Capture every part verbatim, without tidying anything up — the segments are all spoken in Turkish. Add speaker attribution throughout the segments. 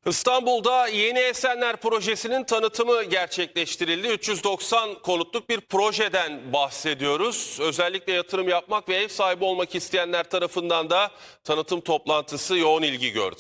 Speaker 1: İstanbul'da Yeni Esenler Projesi'nin tanıtımı gerçekleştirildi. üç yüz doksan konutluk bir projeden bahsediyoruz. Özellikle yatırım yapmak ve ev sahibi olmak isteyenler tarafından da tanıtım toplantısı yoğun ilgi gördü.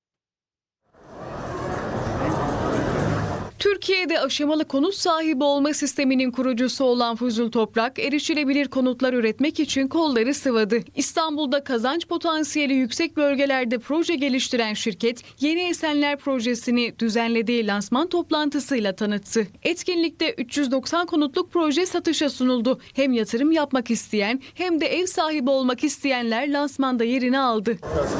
Speaker 2: Türkiye'de aşamalı konut sahibi olma sisteminin kurucusu olan Fuzul Toprak, erişilebilir konutlar üretmek için kolları sıvadı. İstanbul'da kazanç potansiyeli yüksek bölgelerde proje geliştiren şirket, Yeni Esenler Projesi'ni düzenlediği lansman toplantısıyla tanıttı. Etkinlikte üç yüz doksan konutluk proje satışa sunuldu. Hem yatırım yapmak isteyen hem de ev sahibi olmak isteyenler lansmanda yerini aldı.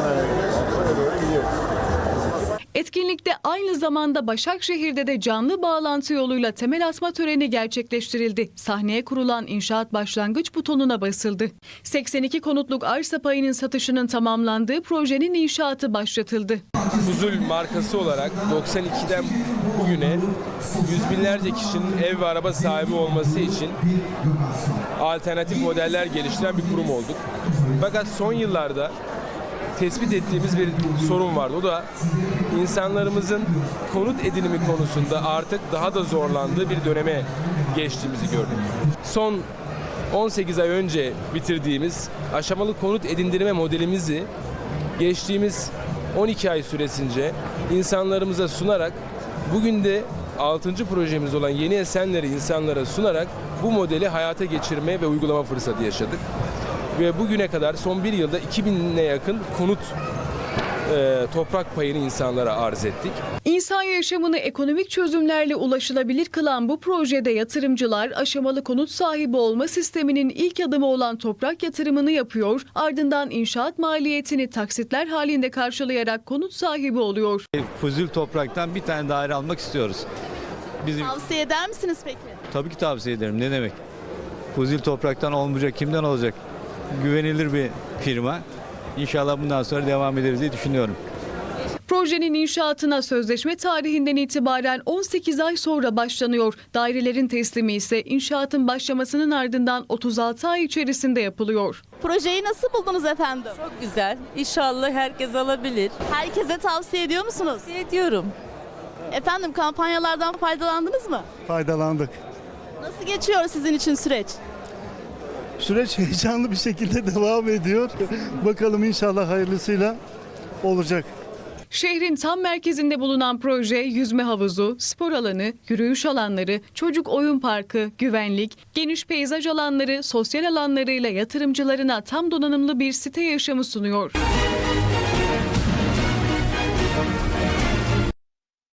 Speaker 2: Etkinlikte aynı zamanda Başakşehir'de de canlı bağlantı yoluyla temel atma töreni gerçekleştirildi. Sahneye kurulan inşaat başlangıç butonuna basıldı. seksen iki konutluk arsa payının satışının tamamlandığı projenin inşaatı başlatıldı.
Speaker 3: Fuzul markası olarak doksan ikiden bugüne yüz binlerce kişinin ev ve araba sahibi olması için alternatif modeller geliştiren bir kurum olduk. Fakat son yıllarda tespit ettiğimiz bir sorun vardı. O da insanlarımızın konut edinimi konusunda artık daha da zorlandığı bir döneme geçtiğimizi gördük. Son on sekiz ay önce bitirdiğimiz aşamalı konut edindirme modelimizi geçtiğimiz on iki ay süresince insanlarımıza sunarak bugün de altıncı projemiz olan Yeni Esenler'i insanlara sunarak bu modeli hayata geçirme ve uygulama fırsatı yaşadık. Ve bugüne kadar son bir yılda iki binine yakın konut e, toprak payını insanlara arz ettik.
Speaker 2: İnsan yaşamını ekonomik çözümlerle ulaşılabilir kılan bu projede yatırımcılar aşamalı konut sahibi olma sisteminin ilk adımı olan toprak yatırımını yapıyor, ardından inşaat maliyetini taksitler halinde karşılayarak konut sahibi oluyor.
Speaker 4: Fuzul Toprak'tan bir tane daire almak istiyoruz. Bizim...
Speaker 5: Tavsiye eder misiniz peki?
Speaker 4: Tabii ki tavsiye ederim. Ne demek? Fuzul Toprak'tan olmayacak, kimden olacak? Güvenilir bir firma. İnşallah bundan sonra devam ederiz diye düşünüyorum.
Speaker 2: Projenin inşaatına sözleşme tarihinden itibaren on sekiz ay sonra başlanıyor. Dairelerin teslimi ise inşaatın başlamasının ardından otuz altı ay içerisinde yapılıyor.
Speaker 5: Projeyi nasıl buldunuz efendim?
Speaker 6: Çok güzel. İnşallah herkes alabilir.
Speaker 5: Herkese tavsiye ediyor musunuz?
Speaker 6: Tavsiye ediyorum.
Speaker 5: Efendim kampanyalardan faydalandınız mı?
Speaker 7: Faydalandık.
Speaker 5: Nasıl geçiyor sizin için süreç?
Speaker 7: Süreç heyecanlı bir şekilde devam ediyor. Bakalım inşallah hayırlısıyla olacak.
Speaker 2: Şehrin tam merkezinde bulunan proje yüzme havuzu, spor alanı, yürüyüş alanları, çocuk oyun parkı, güvenlik, geniş peyzaj alanları, sosyal alanlarıyla yatırımcılarına tam donanımlı bir site yaşamı sunuyor.